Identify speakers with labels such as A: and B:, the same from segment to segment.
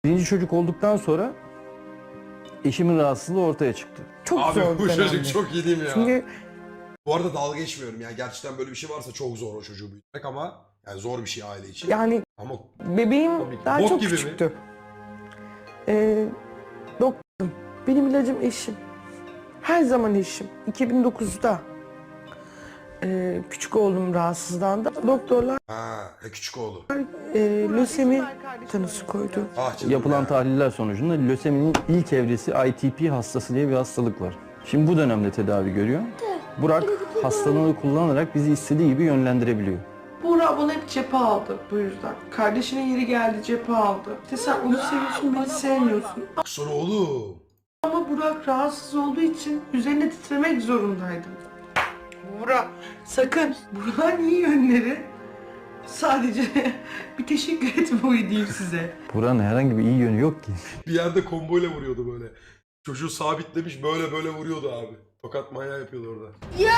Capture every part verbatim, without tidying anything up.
A: Birinci çocuk olduktan sonra eşimin rahatsızlığı ortaya çıktı.
B: Çok
C: Abi
B: zor
C: bu
B: bir
C: çocuk
B: dönemdi.
C: çok iyi değil mi ya?
B: Çünkü
C: Bu arada dalga geçmiyorum yani gerçekten böyle bir şey varsa çok zor o çocuğu büyütmek ama yani zor bir şey aile için.
B: yani
C: Ama
B: bebeğim
C: Tabii ki.
B: daha
C: Bok
B: çok
C: gibi mi?
B: küçüktü. Ee, doktorum. Benim ilacım eşim. Her zaman eşim. iki bin dokuzda e, küçük oğlum rahatsızlandı. Doktorlar
C: ha e, küçük oğlu.
B: e, lösemi tanısı koydu.
C: Ah canım
A: Yapılan
C: ya.
A: tahliller sonucunda löseminin ilk evresi I T P hastası diye bir hastalık var. Şimdi bu dönemde tedavi görüyor. Burak hastalığını kullanarak bizi istediği gibi yönlendirebiliyor.
B: Buğra bana hep cephe aldı bu yüzden. Kardeşinin yeri geldi cephe aldı. İşte sen onu seviyorsun beni sevmiyorsun.
C: Sonra oğlum.
B: Ama Burak rahatsız olduğu için üzerine titremek zorundaydım. Burak sakın. Burak'ın iyi yönleri sadece bir teşekkür etmeyi diyeyim size.
A: Burak'ın herhangi bir iyi yönü yok ki.
C: Bir yerde komboyla vuruyordu böyle. Çocuğu sabitlemiş böyle böyle vuruyordu abi. Tokat manyağı yapıyordu orada.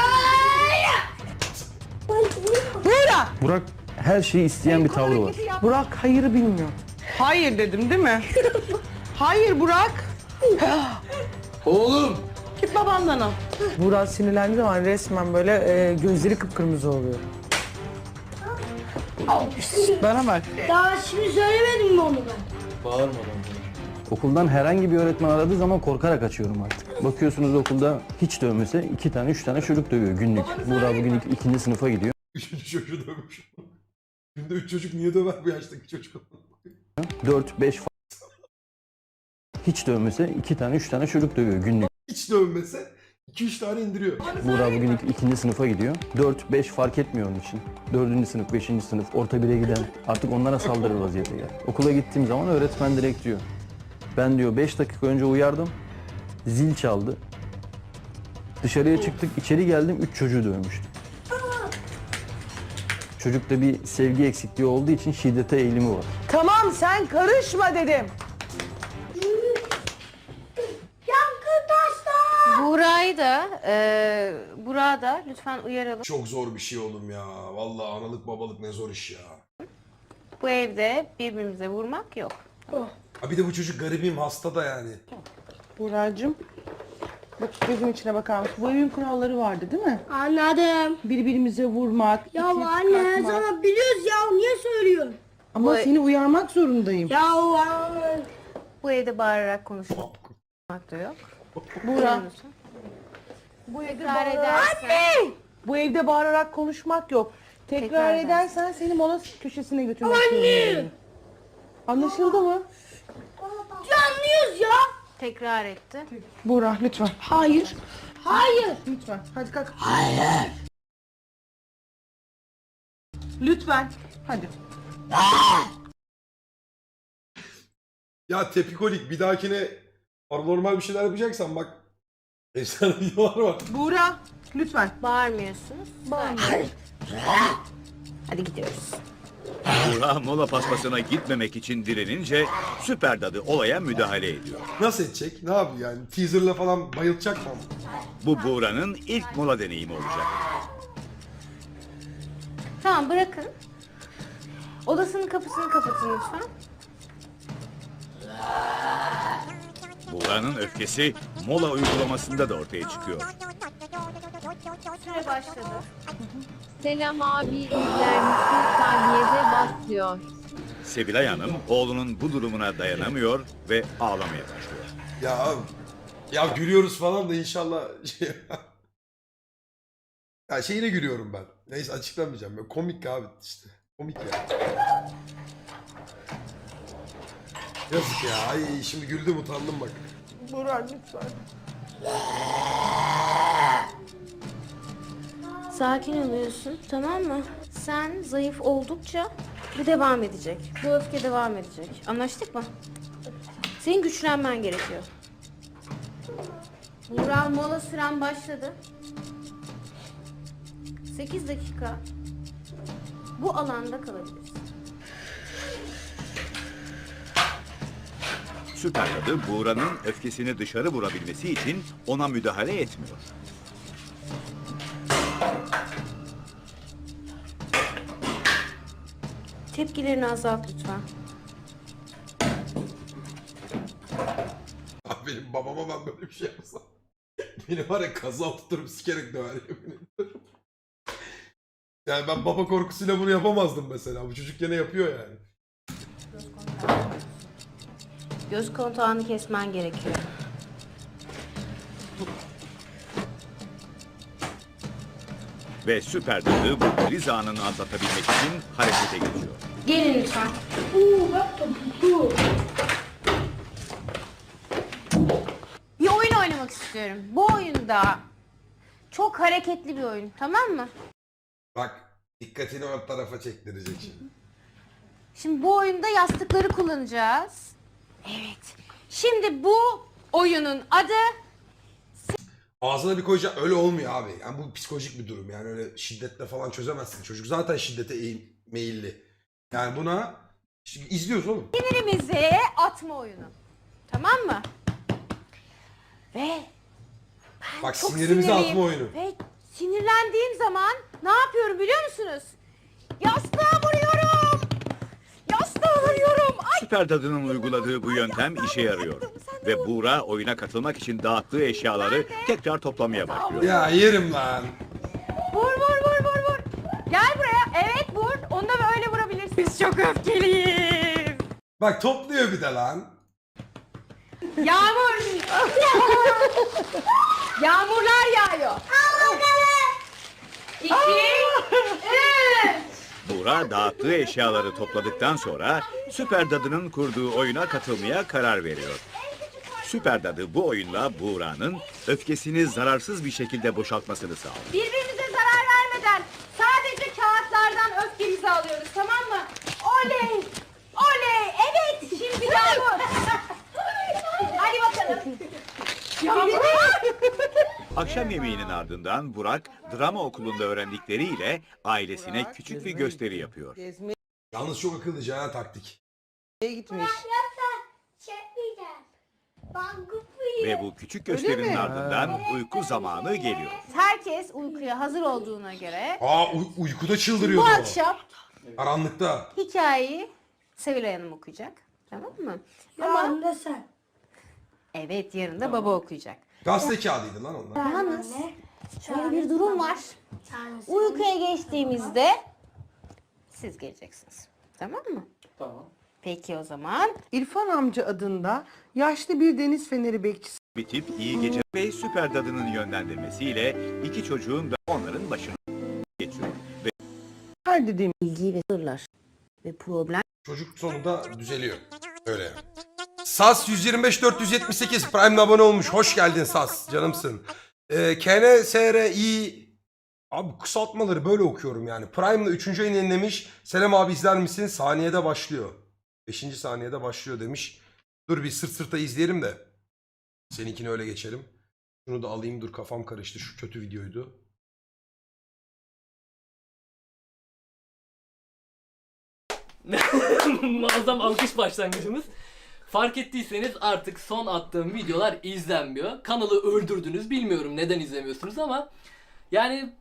B: Burak!
A: Burak her şeyi isteyen bir tavrı var.
B: Burak hayırı bilmiyor. Hayır dedim değil mi? Hayır Burak.
C: Oğlum!
B: Git babandan al. Burak sinirlendiği zaman resmen böyle e, gözleri kıpkırmızı oluyor. Bana bak.
D: Daha şimdi söylemedim mi onu ben?
A: Okuldan herhangi bir öğretmen aradığı zaman korkarak açıyorum artık. Bakıyorsunuz okulda hiç dövmese iki tane üç tane çocuk dövüyor günlük. Burak bugün ik- ikinci sınıfa gidiyor.
C: Üçüncü çocuğu dövmüş. Günde üç çocuk niye döver bu yaştaki çocuk?
A: Dört beş fa- hiç dövmese iki tane üç tane çocuk dövüyor günlük.
C: Hiç dövmese iki üç tane indiriyor.
A: Burak bugün ik- ikinci sınıfa gidiyor. Dört beş fark etmiyor onun için. Dördüncü sınıf, beşinci sınıf, orta bire giden artık onlara saldırır vaziyete geldi. Okula gittiğim zaman öğretmen direkt diyor. Ben diyor beş dakika önce uyardım. Zil çaldı. Dışarıya çıktık, içeri geldim, üç çocuğu dövmüştüm. Çocukta bir sevgi eksikliği olduğu için şiddete eğilimi var.
B: Tamam sen karışma dedim.
D: Yankı taşlar!
E: Buğra'yı da, e, Burak'ı da lütfen uyaralım.
C: Çok zor bir şey oğlum ya. Vallahi analık babalık ne zor iş ya.
E: Bu evde birbirimize vurmak yok.
C: Ha bir de bu çocuk garibim hasta da yani.
B: Buğra'cığım. Bak gözüm içine bakar mısın? Bu evin kuralları vardı değil mi?
D: Anladım.
B: Birbirimize vurmak,
D: Ya
B: itip
D: anne
B: kalkmak.
D: sana biliyoruz ya niye söylüyorsun?
B: Ama
E: Bu-
B: seni uyarmak zorundayım.
D: Ya anne.
E: Bu evde bağırarak konuşmak da yok.
B: Buğra.
E: Bu evde Tekrar edersen.
B: Bu evde bağırarak konuşmak yok. Tekrar,
E: Tekrar
B: edersen seni mola köşesine götürmek zorundayım. Anlaşıldı mı?
D: Ya anlıyoruz ya.
E: Tekrar etti.
B: Buğra lütfen.
D: Hayır. Hayır.
B: Lütfen. Hadi kalk. Hayır. Lütfen. Hadi.
C: Ya tepikolik bir dahakine normal bir şeyler yapacaksan bak. Efsane videolar var.
B: Buğra lütfen.
E: Bağırmıyorsunuz. Hadi gidiyoruz.
F: Burak mola paspasına gitmemek için direnince Süper Dadı olaya müdahale ediyor.
C: Nasıl edecek? Ne yapıyor yani? Teaserla falan bayılacak mı?
F: Bu Buğra'nın ilk mola deneyimi olacak.
E: Tamam bırakın. Odasının kapısını kapatın lütfen.
F: Buğra'nın öfkesi mola uygulamasında da ortaya çıkıyor.
E: Süre başladı.
G: Selam abi izler misin? Tahliyede bas diyor.
F: Sevilay Hanım oğlunun bu durumuna dayanamıyor ve ağlamaya başlıyor.
C: Ya ya gülüyoruz falan da inşallah şey... Ya şeyine gülüyorum ben. Neyse açıklamayacağım. Böyle komik abi işte. Komik ya. Yazık ya. Ay şimdi güldüm utandım bak.
B: Buğra lütfen.
E: Sakin oluyorsun, tamam mı? Sen zayıf oldukça bu devam edecek. Bu öfke devam edecek. Anlaştık mı? Senin güçlenmen gerekiyor. Burak mola süren başladı. sekiz dakika bu alanda kalabilirsin.
F: Süper Dadı Buğra'nın öfkesini dışarı vurabilmesi için ona müdahale etmiyor.
E: Tepkilerini azalt lütfen.
C: benim babama ben böyle bir şey yapsam. Beni var ya kaza tuturup sikerek döver yemin ediyorum. Yani ben baba korkusuyla bunu yapamazdım mesela. Bu çocuk gene yapıyor yani.
E: Göz kontağını kesmen gerekiyor.
F: Ve süper dadı bu kriz anını atlatabilmek için harekete geçiyor.
E: Gelin lütfen.
D: Uuu bak topuklu.
E: Bir oyun oynamak istiyorum. Bu oyunda çok hareketli bir oyun, tamam mı?
C: Bak dikkatini o tarafa çektirecek şimdi.
E: Şimdi bu oyunda yastıkları kullanacağız. Evet. Şimdi bu oyunun adı
C: Ağzına bir koyacak öyle olmuyor abi. Yani bu psikolojik bir durum. Yani öyle şiddetle falan çözemezsin. Çocuk zaten şiddete eğim- meyilli. Yani buna şimdi izliyoruz oğlum.
E: sinirimizi atma oyunu. Tamam mı? Ve
C: Bak
E: çok
C: sinirimizi
E: sinirliyim.
C: atma oyunu.
E: Ve sinirlendiğim zaman ne yapıyorum biliyor musunuz? Yastığa vuruyorum. Yastığa vuruyorum. Ay.
F: Süper dadının uyguladığı bu yöntem işe yarıyor. Ve Buğra oyuna katılmak için dağıttığı eşyaları tekrar toplamaya başlıyor.
C: Ya yerim lan.
E: Vur vur vur vur vur. Gel buraya. Evet vur. Onu da böyle vurabilirsin. Biz çok öfkeliyiz.
C: Bak topluyor bir de lan.
E: Yağmur. Yağmurlar yağıyor. İki, üç.
F: Buğra dağıttığı eşyaları topladıktan sonra Süper Dadı'nın kurduğu oyuna katılmaya karar veriyor. Süper Dadı bu oyunla Buğra'nın öfkesini zararsız bir şekilde boşaltmasını sağlıyor.
E: Birbirimize zarar vermeden sadece kağıtlardan öfkemizi alıyoruz, tamam mı? Oley! Oley! Evet! Şimdi Yağmur! Hadi bakalım. Yağmur!
F: Akşam yemeğinin ardından Burak drama okulunda öğrendikleriyle ailesine küçük bir gösteri yapıyor.
B: Gezmeye
C: Yalnız çok akıllıca ha taktik.
B: gitmiş.
D: Çekmeyeceğim. Ben kupuyum.
F: Ve bu küçük gösterinin
B: mi?
F: ardından uyku zamanı geliyor.
E: Herkes uykuya hazır olduğuna göre
C: Aa uy- uykuda
E: bu
C: çıldırıyordu o.
E: akşam
C: Karanlıkta.
E: hikayeyi Sevilay Hanım okuyacak. Tamam mı?
D: Ama
E: Ama
D: da sen.
E: evet yarın da baba okuyacak.
C: Gazete kağıdıydı lan onlar.
E: Yalnız şöyle bir durum var.
D: Tanesi.
E: Uykuya geçtiğimizde siz geleceksiniz. Tamam mı?
A: Tamam.
E: Peki o zaman.
B: İrfan amca adında yaşlı bir deniz feneri bekçisi.
F: Bitip iyi gece ve Süper Dadı'nın yönlendirmesiyle iki çocuğun da onların başına geçiyor. Ve
B: Her dediğim
E: Bilgi ve sırlar ve problem.
C: Çocuk sonunda düzeliyor. Öyle yani. Sas yüz yirmi beş dört yüz yetmiş sekiz Prime'le abone olmuş. Hoş geldin Sas. Canımsın. Ee, K N S R I Abi kısaltmaları böyle okuyorum yani. Prime'la üçüncü ayını yenilemiş. Selam abi izler misin? Saniyede başlıyor. beşinci saniyede başlıyor demiş. Dur bir sırt sırta izleyelim de. Seninkini öyle geçelim. Şunu da alayım, dur kafam karıştı. Şu kötü videoydu.
H: Muazzam alkış başlangıcımız. Fark ettiyseniz artık son attığım videolar izlenmiyor. Kanalı öldürdünüz. Bilmiyorum neden izlemiyorsunuz ama yani